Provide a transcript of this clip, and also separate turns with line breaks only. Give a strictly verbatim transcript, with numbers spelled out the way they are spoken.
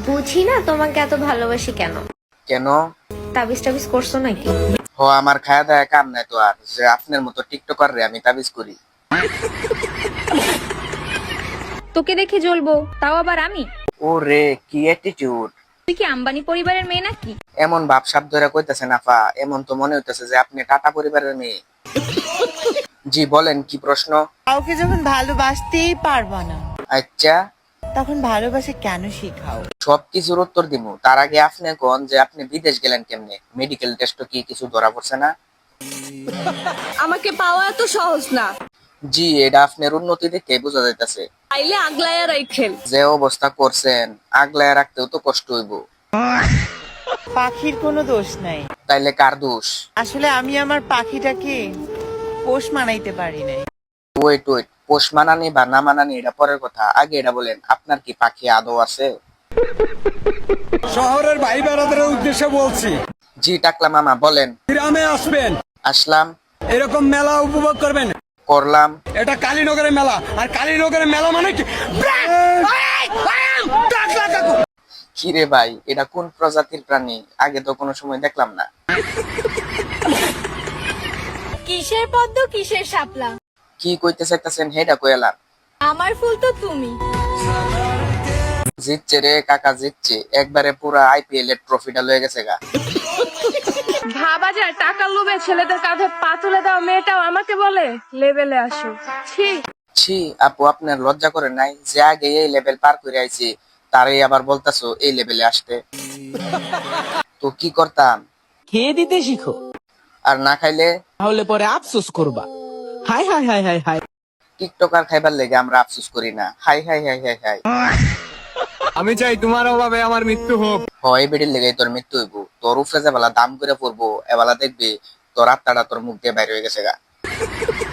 বুঝি না তোমাকে এত ভালোবাসি কেন।
কেন?
তাবিজ টাবিজ করছো নাকি?
ও আমার খায়া দায়া কাম নাই তো আর যে আপনার মতো টিকটকার রে আমি তাবিজ করি।
তোকে দেখে জ্বলবো, তাও আবার আমি?
ও রে কি অ্যাটিটিউড!
তুই কি আম্বানি পরিবারের মেয়ে নাকি?
এমন ভাবসাব ধরে কইতাছেন আফা, এমন তো মনে হইতেছে যে আপনি টাটা পরিবারের মেয়ে। জি বলেন কি প্রশ্ন?
কাউকে যখন ভালোবাসতেই পারবা না,
আচ্ছা
তখন ভালোবাসা কেন শিখাও?
সবকিছুর উত্তর দিমু, তার আগে আপনি কোন যে আপনি বিদেশ গেলেন কেমনে? মেডিকেল টেস্ট কি কিছু ধরা পড়ছে না?
আমাকে পাওয়া এত সহজ না।
জি এটা আপনার উন্নতি দেখে বোঝা যাইতাছে।
আইলে আগলায়া রাইখেন।
যে অবস্থা করছেন আগলায় রাখতেও তো কষ্ট হইব।
পাখির কোনো দোষ নাই,
তাইলে কার দোষ?
আসলে আমি আমার পাখিটাকে পোষ মানাইতে পারি নাই।
ওয়েট ওয়েট, পোষ মানানি বা না মানানি এটা পরের কথা, আগে এটা বলেন আপনার কি পাখি আদৌ আছে?
শহরের ভাই বেড়াদের উদ্দেশ্যে বলছি,
জি টাকলা মামা বলেন।
গ্রামে আসবেন,
আসলাম।
এরকম মেলা উপভোগ করবেন।
করলাম।
এটা কালীনগরের মেলা, আর কালীনগরের মেলা মানে কি?
কি রে ভাই, এটা কোন প্রজাতির প্রাণী? আগে তো কোনো সময় দেখলাম না।
কিসের পদ্ম কিসের শাপলা,
কি কইতে চাইতেছেন হেডা কইলাম।
আমার ফুল তো তুমি।
জিতছে রে কাকা জিতছে, একবারে পুরা আইপিএল এর ট্রফিটা লয়ে গেছে গা।
ভাবা যায় টাকার লোভে ছেলেদের কাঁধে পা তুলে দেওয়া মেয়েটাও আমাকে বলে লেভেলে আসো। ছি।
ছি আপু আপনার লজ্জা করে নাই যে আগে এই লেভেল পার করে আইছি তারই আবার বলতাছো এই লেভেলে আসতে? তো কি করতাম?
খেয়ে দিতে শিখো,
আর না খাইলে?
তাহলে পরে আফসোস করবা। Hi hi hi hi hi.
TikToker খাইবার লেগে আমরা আফসোস করি না। Hi hi hi hi hi.
আমি চাই তোমার অভাবে আমার মৃত্যু হোক।
হয় বেডির লেগে তোর মৃত্যু হইব, তোর উপরে যে বেলা দাম করে পড়বো এবেলা দেখবি তোর আত্মাটা তোর মুখ দিয়ে বাইরে হয়ে গেছে গা।